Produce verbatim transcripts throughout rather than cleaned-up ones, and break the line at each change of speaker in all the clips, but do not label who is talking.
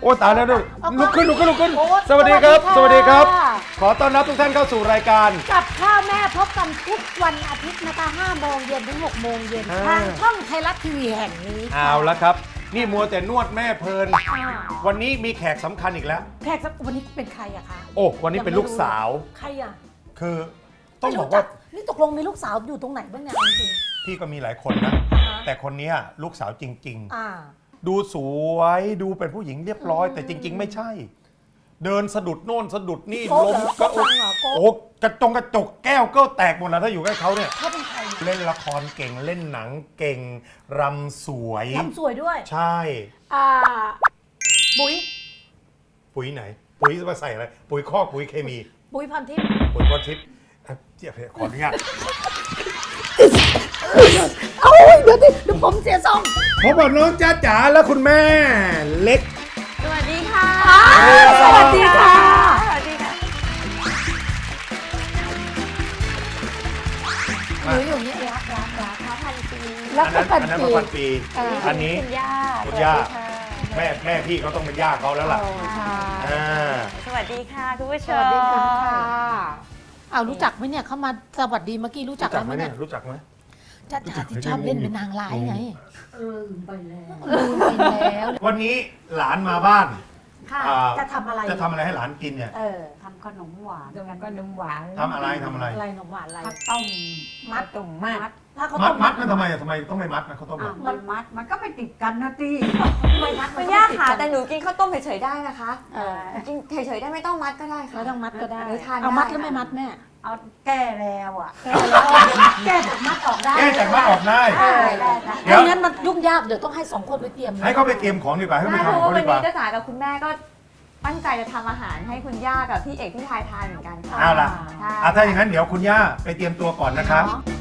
อ้ตายแล้วด้วย
เอา
ลุกขึ้นลุกขึ้นลุกขึ้น
โอ้
สวัสดีครับ ส
สวั
วัส
สดี
ดีค
ค่ะ
รับ ขอต้อนรับทุกท่านเข้าสู่รายการ
กับข้าวแม่พบกันทุกวันอาทิตย์นะคะห้าโมงเย็นถึงหกโมงเย็น
อ่า
ทางช่องไทยรัฐทีวีแห่งนี้ค่ะ
เอาละครับ นี่มัวแต่นวดแม่เพลิน
อ่า
วันนี้มีแขกสำคัญอีกแล้ว
แขกสักวันนี้เป็นใครอะคะ
โอ้วันนี้เป็นลูกสาว
ใครอะ
คือต้องบอก
ไม่รู้จั
ว่า
นี่ตกลงมีลูกสาวอยู่ตรงไหนบ้างเนี่ยเอาจริง
พี่ก็มีหลายคนนะ
อ่าฮะ
แต่คนเนี้ยลูกสาวจริง
ๆอ่า
ๆ ดูสวยดูเป็นผู้หญิงเรียบร้อย แต่จริง ๆ ไม่ใช่ เดินสะดุดโน่นสะดุดนี่
โก๊ะ
ล้ม
เหรอ
ก็
โก๊ะฟังเหรอโก๊ะ
โอ้กระจงกระจกแก้วก็แตกหมดแล้วถ้าอยู่ใกล้เขาเนี่ย
เขาเป็นใคร
เล่นละครเก่งเล่นหนังเก่งรำสวย
ทำสวยด้วย
ใช่
อ่าปุ๋ย
ปุ๋ยไหน ปุ๋ยจะมาใส่อะไร ปุ๋ยคอกปุ๋ยเคมี
ปุ๋ยพันทิพย์
ปุ๋ยพรทิพย์เอ่อเดี๋ยวขออนุญาต
เอ้ยเดี๋ยวดิเดี๋ยวผมเสียทรง
ผมบอกน้องจ้าจ๋าและคุณแม่เล็ก
สวัสดีค่ะ
อ่าสวัสดีค่ะ
สวัสดีค่ะ
หนูอยู่เนี่ยรักรักรัก
พระพันปี
รัก
อัน
กั
นั้น น
พัน
อันนั้น
ปี
มาพันปี
อ่า
อันนี้
คุณย่า
คุณย่า
สวัสดีค่ะ
แม่แม่พี่เขาต้องเป็นย่าเขาแล้วล่ะ
โอ้ค่ะ
อ่า
สวัสดีค่ะคุณผู้ช
ส
ม
วัสดีค่ะเอารู้จักไหมเนี่ยเขามาสวัสดีเมื่อกี้รู้จัก
รู้จั
แล้
ก
ว
ไห
ไห
ม
ม
เนี่
เนี่ย ย
รู้จักไหม
จ้าจ๋าที่ชอบเล่นเป็นนางร้ายไง
ลืมไปแล้ว
ลืมไปแล้ว
วันนี้หลานมาบ้าน
ค่ะ
อ่า
จะทำอะไร
จะทำอะไรให้หลานกินเนี่ย
เออ
ทำขนมหวานกันก็นมหวาน
ทำอะไรทำอะไร
อะไรหนมหวานอะไร
ข้าวต้ม
มัด
ต้มมัด
ถ้าเขา
มั
ต้
ด
ม
มัดมันทำไมอะทำไมต้องไม่มัดนะเขาวต้ม
อ่ะ
อะ
มันมัดมันก็ไม่ติดกันนะที่
ไม่มัด
คุณย่าค่ะแต่หนูกินข้าวต้มเฉยๆได้นะคะ
เออ
กินเฉยๆได้ไม่ต้องมัดก็ได้ค่ะ
ไม่ต้องมัดก็ได้
หรือทาน
เอามัด
ได้
แล้วไม่มัดแม่
เอาแก้แล้วอ่ะ
แก้แล้วแก้จากมัดออกได้
แก้จากมัดออกได้
ได้ได้ได้
เดี๋ยว
ไม่งั้นมันยุ่งยากเดี๋ยวต้องให้สองคนไปเตรียม
ให้เขาไปเตรียมของดีกว่าให้เขา
ได้
ไป
เพ
ทำ
ราะ
ของ
ว่า
เขา
วัน
ดีกว่า
นี้เจ้าจ๋ากับคุณแม่ก็ตั้งใจจะทำอาหารให้คุณย่ากับพี่เอกพี่ทายทานเหมือนกันค่ะ
เอาล่ะ
ใช่
อ่ะถ้าอย่างนั้นเดี๋ยวคุณย่าไปเตรียมตัวก่อนนะครับ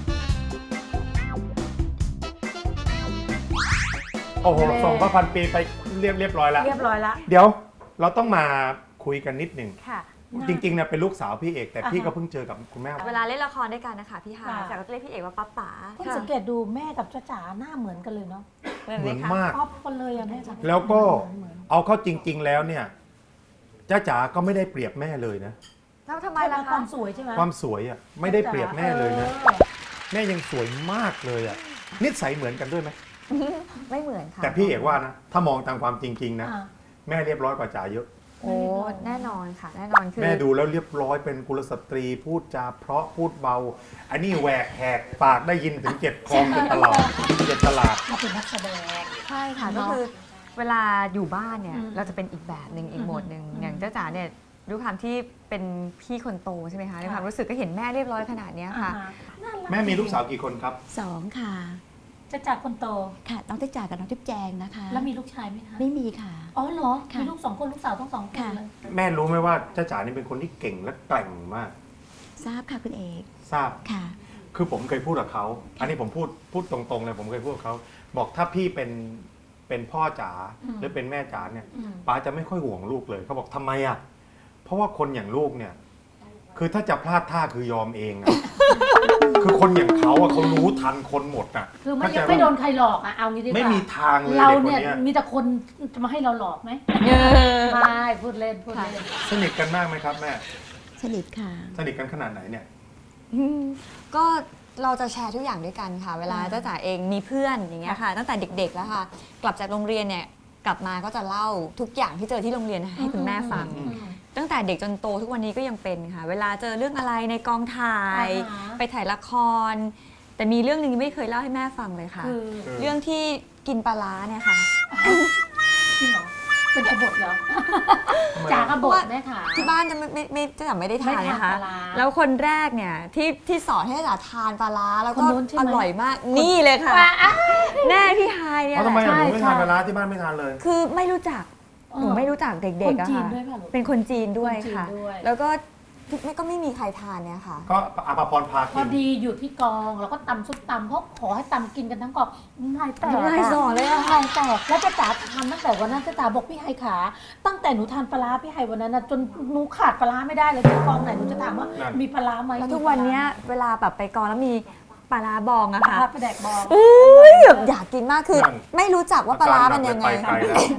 โอ้โหส่งพระพันปีไปเรียบเรียบร้อยแล้ว
เรียบร้อยละ
เดี๋ยวเราต้องมาคุยกันนิดหนึ่ง
ค่ะ
จริงๆเนี่ยเป็นลูกสาวพี่เอกแต่พี่
อ่าฮะ
ก็เพิ่งเจอกับคุณแม่
เวลาเล่นละครด้วยกันนะคะพี่ฮาย
ค่ะ
จากก็จะเรียกพี่เอกว่าป๊าป๋า
คุณสังเกตดูแม่กับจ้าจ๋าหน้าเหมือนกันเลยเนาะ
เหมือน
เห
ไหม
มือน
คะ
มาก
ป๊อปกันเลยอะแม่จ๋า
แล้วก็
เหมือน
เอาเข้าจริง ๆ แล้วเนี่ยจ้าจ๋าก็ไม่ได้เปรียบแม่เลยนะ
แล้วทำไม
ไม่
ล่ะ
ละค
คะ
วามสวยใช่ไหม
ความสวยอ่ะไม่ได้เปรียบแม่เลยนะ
ออ
แม่ยังสวยมากเลยอ่ะนิสัยเหมือนกันด้วยไหม
ไม่เหมือนค่ะ
แต่พี่เอกว่านะถ้ามองตามความจริง ๆ นะ
อ่ะ
แม่เรียบร้อยกว่าจ๋าเยอะ
โอ้แน่นอนค่ะ แน่นอนคือ
แม่ดูแล้วเรียบร้อยเป็นกุลสตรีพูดจาเพราะพูดเบา อันนี้แหวกแหกปากได้ยินถึงเจ็ดคลองเจ็ดตลาดเจ็ดตลาด
มาเป็นนักแสดง
ใช่ค่ะ
เน
ก็
อะ
คือเวลาอยู่บ้านเนี่ย
อืม
เราจะเป็นอีกแบบหนึ่งอีกโหมดหนึ่ง
อืม
อย่างเจ้าจ๋าเนี่ยด้วยความที่เป็นพี่คนโตใช่ไหมคะใน
ค่ะ
ความรู้สึกก็เห็นแม่เรียบร้อยขนาดเนี้ยค่ะ
อ่าน่ารัก
แม่มีลูกสาวกี่คนครับ
สองค่ะ
จ้าจ๋าคนโต
ค่ะ น้องติ๊กจ่ากับน้องทิพย์แจงนะคะ
แล้วมีลูกชายไหมคะ
ไม่มีค่ะ
อ๋อเหรอ
ค่ะ
มีลูกสองคนลูกสาวต้องสองคน
ค่ะ
เลย
แม่รู้ไหมว่าจ้าจ๋านี่เป็นคนที่เก่งและแกร่งมาก
ทราบค่ะคุณเอก
ทราบ
ค่ะ
คือผมเคยพูดกับเขา อันนี้ผมพูดพูดตรงๆเลยผมเคยพูดกับเขาบอกถ้าพี่เป็นเป็นพ่อจ๋าหรือเป็นแม่จ๋าเนี่ย
อืม
ป้าจะไม่ค่อยห่วงลูกเลยเขาบอกทำไมอ่ะเพราะว่าคนอย่างลูกเนี่ย คือถ้าจะพลาดท่าคือยอมเองอะ คือคนอย่างเขาอะเขารู้ทันคนหมดอะ
คือไม่
เข้าใจ
ไม่โดน
ว่า
ใครหลอกอะเอางี้ดีกว่า
ไม่มีทางเลย
เรา
เด็กคน
เนี่ย
เนี้ย
มีแต่คนจะมาให้เราหลอกไหม
เออ
ไม่พูดเล่นพูดเล่น
สนิทกันมากไหมครับแม่
สนิทค่ะ
สนิทกันขนาดไหนเนี่ย
อืมก็เราจะแชร์ทุกอย่างด้วยกันค่ะ เวลา
อ่า
เจ้าจ๋าเองมีเพื่อนอย่างเงี้ยค่ะ ตั้งแต่เด็กๆแล้วค่ะ กลับจากโรงเรียนเนี่ยกลับมาก็จะเล่าทุกอย่างที่เจอที่โรงเรียนให้คุณแม่ฟัง
อืม
ตั้งแต่เด็กจนโตทุกวันนี้ก็ยังเป็นค่ะ เวลาเจอเรื่องอะไรในกองถ่าย
อ่าฮะ
ไปถ่ายละคร แต่มีเรื่องหนึงไม่เคยเล่าให้แม่ฟังเลยค่ะ
คือ
เรื่องที่กินปลาร้าเนี่ยค่ะ
จริงเหรอเป็นกบฏเหรอ
ทำไม
จากก
อะ
บฏแม่ขา
ที่บ้านจะไม่ไม่ไม่จะไม่ได้ทาน
ไม่ทาน
นะคะ
ปลาร้า
แล้วคนแรกเนี่ยที่ที่สอนให้จ๋าทานปลาร้าแล้วก็
คนนู้นใช่ไหม
อร่อยมากนี่เลยค่ะ แน่พี่ฮายเนี่ย
เอาทำไม
แหละ
อะหนูไม่ทาน
ใช่
ปลาร้าที่บ้านไม่ทานเลย
คือไม่รู้จัก หนูไม่รู้จักเด็กๆอะ
คนจีน
ค่ะ
ด้วยป่ะลูก
เป็นคนจีนด้วย
คนจีน
ค่ะ
ด้วย
แล้วก็ไม่ก็ไม่มีใครทานเนี่ยค่ะ
ก็อาภาพรพา
พ
กิ
อน ดีอยู่ที่กองเราก็ตำซุปตำเขาขอให้ตำกินกันทั้งกองน้ำลายแตก
น้ำลายสอเลยอะ
น้ำลายแตกแล้วจ้าจ๋าทำตั้งแต่วันนั้นจ้าจ๋าบอกพี่ไฮขา ตั้งแต่หนูทานปลาร้าพี่ไฮวันนั้นนะจนหนูขาดปลาร้าไม่ได้เลยที่กองไหนหนูจะถามว่ามีปลาร้าไหม
แล้วทุกวันเนี้ยเวลาแบบไปกองแล้วมีปลาร้าบองอะ
ปลา
ค่ะ
ร้าไปแดกบอง
อุ้ยแบบอยากกินมากคือ ไม่รู้จักว่าปลาร้ามันยังไง
ปไกลแล้ว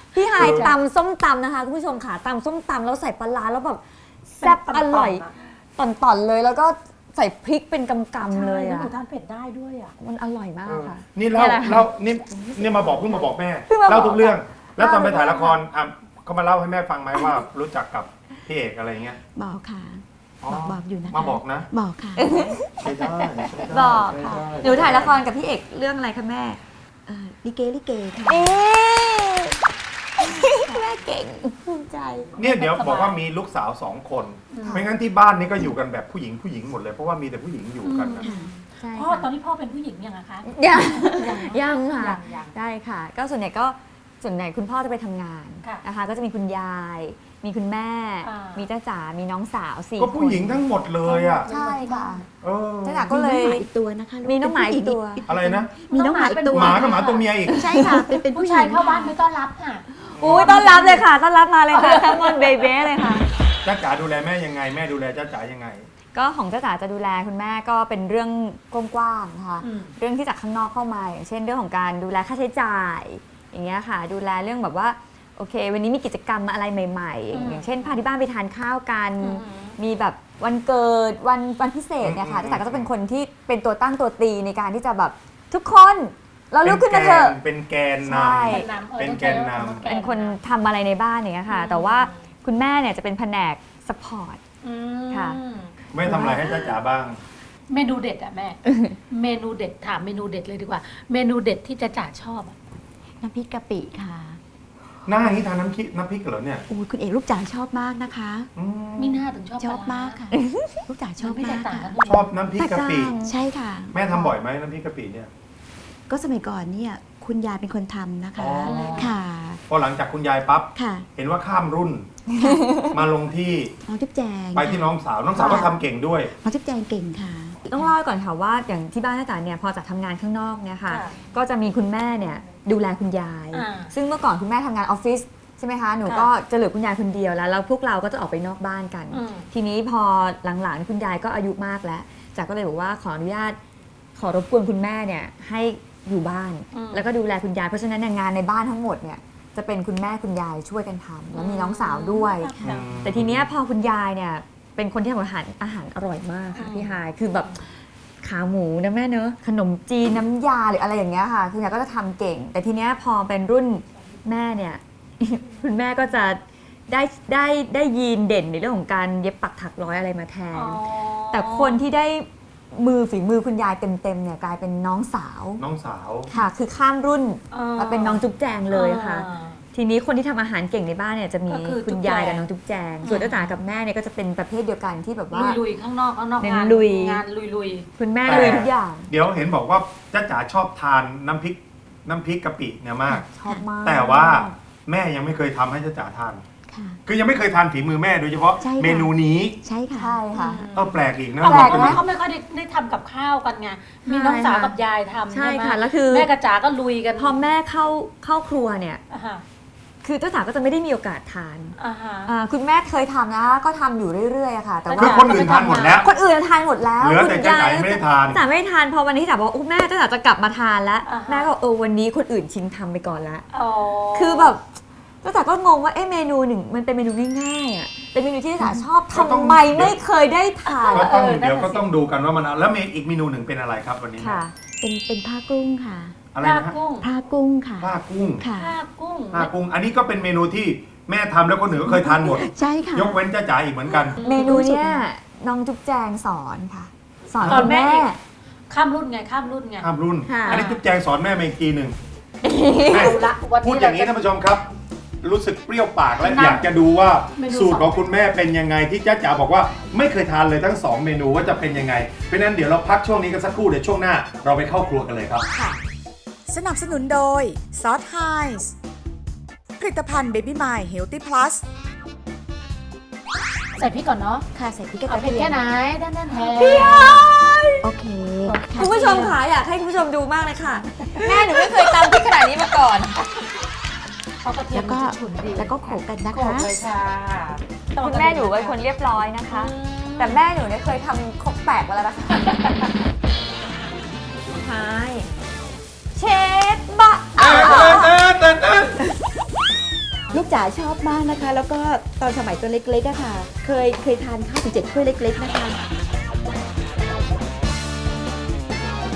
พี่ไฮายตำส้มตำนะคะคุณผู้ชมค่ะตำส้มตำแล้วใส่ปลาร้าแล้วแบบแซ่บอร่อยต่อนๆเลยแล้วก็ใส่พริกเป็นกำๆเลย
ใช่แล้ว
อ่ะ
หนูทานเผ็ดได้ด้วยอ่ะ
มันอร่อยมากค่ะ
นี่เล่า
เนี่ยแหละ
เล่านี่นี่มาบอกเพิ่งมาบอกแม่
เพิ่งมาบอก
เล่าทุกเรื่อง แล้วตอนไป
เล่าทุก
ถ่ายละคร
เรื่อง
อ่ะเขามาเล่าให้แม่ฟังไหมว่ารู้จักกับพี่เอกอะไรเงี้ย
บอกค่ะ
อ๋อ
บอกบอกอยู่นะคะ
มาบอกนะ
บอกค่ะ
ใช่ได้ใช่ได้
บอก
ใช่
ค่ะ
ได้
หนูถ่ายละครกับพี่เอกเรื่องอะไรคะแม่
เอ่อลิเกลิเกค่ะ
เอ๊แม่เก่งภูมิใจ
เนี่ยเดี๋ยวบอกว่ามีลูกสาวสองคน ไม่งั้นที่บ้านนี่ก็อยู่กันแบบผู้หญิงผู้หญิงหมดเลยเพราะว่ามีแต่ผู้หญิงอยู่กันนะ
ค่ะ
ใช่
พ่อ
ค่ะ
ตอนนี้พ่อเป็นผู้หญิงยังอะคะ
ยังยังค่ะ
ยังยัง
ได้ค่ะ ก็ส่วนใหญ่ก็ส่วนใหญ่คุณพ่อจะไปทำงาน
ค่ะ
นะคะ ก็จะมีคุณยาย มีคุณแม่
อ่ามี
มีจ้าจ๋า มีน้องสาวสี่
ก็ผู้หญิง
คน
ทั้งหมดเลยอ่ะ
ใช่ค่ะ
เออ
จ้าจ๋าก็เลย
มีน้องหมาอีกตัวนะคะลู
มีน้องหมาอีกตัว
อะไรนะ
มีน้องหมาอีกตัว
หมากับหมาตัวเมียอีก
ใช่ค่ะ เป็นเป็น
ผู้
ผู้ห
ชาย
ญิง
เข้าบ้านไม่ต้อนรับค่ะ
อุ้ยต้อนรับเลยค่ะ ต้อนรับมาเลยค่ะทั้งมอนเบเบ้เลยค่ะ
จ้าจ๋าดูแลแม่ยังไงแม่ดูแลจ้าจ๋ายังไง
ก็ของจ้าจ๋าจะดูแลคุณแม่ก็เป็นเรื่องกว้างๆนะคะ
อืม
เรื่องที่จากข้างนอกเข้ามาอย่างเช่นเรื่องของการดูแลค่าใช้จ่าย อย่างเงี้ยค่ะ ดูแลเรื่องแบบว่าโอเค วันนี้มีกิจกรรมอะไรใหม่ๆ อย่างเช่นพาที่บ้านไปทานข้าวกัน มีแบบวันเกิดวันวันพิเศษเนี่ยค่ะ
อืม
จ้าจ๋าก็จะเป็นคนที่เป็นตัวตั้งตัวตีในการที่จะแบบทุกคนเราลุกขึ้นมาเถอะ
เป็นแกนน
ใช่
ำเป็นแกนนำ
เป็นคนทำอะไรในบ้านอย่างเงี้ยค่ะ แต่ว่าคุณแม่เนี่ยจะเป็นแผนกสปอร์ต
อืม
ค่ะ
แม่ทำอะไรให้จ้าจ๋าบ้าง
เมนูเด็ดอะแม่ เมนูเด็ดถามเมนูเด็ดเลยดีกว่า เมนูเด็ดที่จะจ๋าชอบอะ
น้ำพริกกะปิค่ะ
หน้าอย่างนี้ทานน้ำพริกน้ำพริกเหรอเนี่ย
โอ้ยคุณเอกลูกจ๋าชอบมากนะคะ
อืม
มีหน้าถึงชอบ
ชอบ
ปลร้
มากค่ะ ลูกจ๋าช
ช
อ
อ
บบ
ไม่แต
มาก
กต่าง
ค่ะ
กัน
ชอบน้ำพริกกะปิ
ใช่ค่ะ
แม่ทำบ่อยไหมน้ำพริกกะปิเนี่ย
ก็สมัยก่อนเนี่ยคุณยายเป็นคนทำนะคะ
อ๋อ
ค่ะ
พอหลังจากคุณยายปั๊บ
ค่ะ
เห็นว่าข้ามรุ่น มาลงที่
น้องจุ๊บแจง
ไปที่น้องสาว น้องสาวก็ทำเก่งด้วย
น้องจุ๊บแจงเก่งค่ะ
ต้องเล่าก่อนค่ะว่าอย่างที่บ้านจ้าจ๋าเนี่ยพอจากทำงานข้างนอกเนี่ยค่ะ ก็จะมีคุณแม่เนี่ยดูแลคุณยาย
อ่า
ซึ่งเมื่อก่อนคุณแม่ทำงานออฟฟิศใช่ไหมคะ หนู
ค่ะ
ก็จะเหลือคุณยายคนเดียวแล้วแล้วพวกเราก็จะออกไปนอกบ้านกัน
อืม
ทีนี้พอหลังๆคุณยายก็อายุมากแล้วจ๋าก็เลยบอกว่าขออนุญาตขอรบกวนคุณแม่เนี่ยให้อยู่บ้าน
อืม
แล้วก็ดูแลคุณยายเพราะฉะนั้นเนี่ยงานในบ้านทั้งหมดเนี่ยจะเป็นคุณแม่คุณยายช่วยกันทำแล้วมีน้องสาวด้วย
ค่ะ
แต่ทีเนี้ยพอคุณยายเนี่ยเป็นคนที่ทำอาหารอาหารอร่อยมากค่ะ
อืม
พี่ฮายคือแบบขาหมูนะแม่เนอะขนมจีนน้ำยาหรืออะไรอย่างเงี้ยค่ะคุณยายก็จะทำเก่ง แต่ทีเนี้ยพอเป็นรุ่นแม่เนี่ย คุณแม่ก็จะได้ได้ได้ยีนเด่นในเรื่องของการเย็บปักถักร้อยอะไรมาแทน แต่คนที่ได้มือฝีมือคุณยายเต็มๆเนี่ยกลายเป็นน้องสาว
น้องสาว
ค่ะ คือข้ามรุ่น
อ่า
มาเป็นน้องจุ๊บแจงเลยค่ะ
อ่า
ทีนี้คนที่ทำอาหารเก่งในบ้านเนี่ยจะมี
ก็คือ
คุณยาย
จุ๊บแจง
กับน้องจุ๊บแจง ส่วนจ้าจ๋ากับแม่เนี่ยก็จะเป็นประเภทเดียวกันที่แบบว่า
ลุยๆข้างนอกข้างนอก
เน้น
งาน
ลุย
งานลุย
คุณแม่
แต่
ลุยทุกอย่าง
เดี๋ยวเห็นบอกว่าจ้าจ๋าชอบทานน้ำพริกน้ำพริกกะปิเนี่ยมาก
ชอบมาก
แต่ว่าแม่ยังไม่เคยทำให้จ้าจ๋าทาน
ค่ะ
คือยังไม่เคยทานฝีมือแม่โดยเฉพาะ
ใช่ค่ะ
เมนูนี้
ใช่ค่ะ
ใช่ค่ะ
เออแปลกอีกนะ
ๆ
แปลก
แต่
นะ
เขาไม่ค่อยได้ได้ทำกับข้าวกันไง มีน้องสาวกับยายทำ
ใช่
ไหม
ค่ะแล้วคือ
แม่กับจ๋าก็ลุยกัน
พอแม่เข้าเข้าครัวเนี่ย
อ่าฮะ
คือเจ้าจ๋าก็จะไม่ได้มีโอกาสทาน
อ่าฮะ
อ่าคุณแม่เคยทำนะก็ทำอยู่เรื่อยๆอะค่ะ แต่
คือ
ว่า
คนอื่นทานหมดแล้ว
คนอื่นทานหมดแล้ว
เหลือแต่
คุณ
จ้าจ๋ายังไม่ได้ทาน
จ๋าไม่ได้ทานพอวันนี้จ๋าบอกว่าอุ๊ยแม่จ้าจ๋าจะกลับมาทานแล้ว
อ่าฮะ
แม่ก็เออวันนี้คนอื่นชิงทำไปก่อนละ
อ๋อ
คือแบบจ้าจ๋าก็งงว่าเอ๊ะเมนูหนึ่งมันเป็นเมนูง่ายๆอ่ะเป็นเมนูที่จ้าจ๋าชอบ
ก็ต้อง
ทำไมไม่เคยได้ทาน
ก็ต้อง
เออนั่นน่ะ
เดี๋ยวก็
สิ
ต้องดูกันว่ามันแล้วเมนูอีกเมนูหนึ่งเป็นอะไรครับวันนี้
ค่ะ
เป็นเป็นผ้ากุ้งค่ะ
อะไร
ผ้า
นะฮะ
กุ้ง
ผ้ากุ้งค่ะ
ผ้ากุ้ง
ค่ะ
ผ้ากุ้ง
ผ้ากุ้ง อันนี้ก็เป็นเมนูที่แม่ทำแล้วคนอื่นก็เคยทานหมด
ใช่ค่ะ
ยกเว้นจ้าจ๋าอีกเหมือนกัน
เมนูเนี้ยน้องจุ๊บแจงสอนค่ะ สอน
สอน
คุณ
แม่
แม่
อีก ข้ามรุ่นไงข้ามรุ่นไง
ข้ามรุ่น
ค่ะ
อันนี้จุ๊บแจงสอนแม่มาอีกทีหนึ่งแม่
เอาละวัน
พูด
นี้
อย่างนี้
เราจะ
ท่านผู้ชมครับ รู้สึกเปรี้ยวปากและ
นั่น
อยากจะดูว่า
เมนู
สูตรของคุณแม่เป็นยังไงที่จ้าจ๋าบอกว่าไม่เคยทานเลยทั้งสองเมนูว่าจะเป็นยังไงเพราะฉะนั้นเดี๋ยวเราพักช่วงนี้กันสักครู่เดี๋ยวช่วงหน้า เราไปเข้าครัวกันเลยครับ
สนับสนุนโดยซอสไฮส์ผลิตภัณฑ์เบบี้มายเฮลตี้พลัส
ใส่พริกก่อนเนาะ
ค่ะใส่พริกกระ
เอาเผ็ด
เทีย
แค่
ม
ไหนด้านด้านแทน
โอเคค่ะ
คุณผู้ชมค่ะอยากให้คุณผู้ชมดูมากเลยค่ะ แม่หนูไม่เคยตำพริกขนาดนี้มาก่อน
เขากระเทีย
แล้
ม
วก็
มันจะฉุนดี
แล้วก็โขลกกันนะ
โขล
คะ
กเลยค่ะ
คุณแม่หนูเป็นคนเรียบร้อยนะคะ แต่แม่หนูเนี่ยเคยทำครกแตกมาแล้วนะคะใช่เชฟบะ
เต้นเต้นเต้นเต้น
ลูกจ๋าชอบมากนะคะ แล้วก็ตอนสมัยตัวเล็กๆอะค่ะ เคยเคยทานข้าวถึงเจ็ดถ้วยเล็กๆนะคะ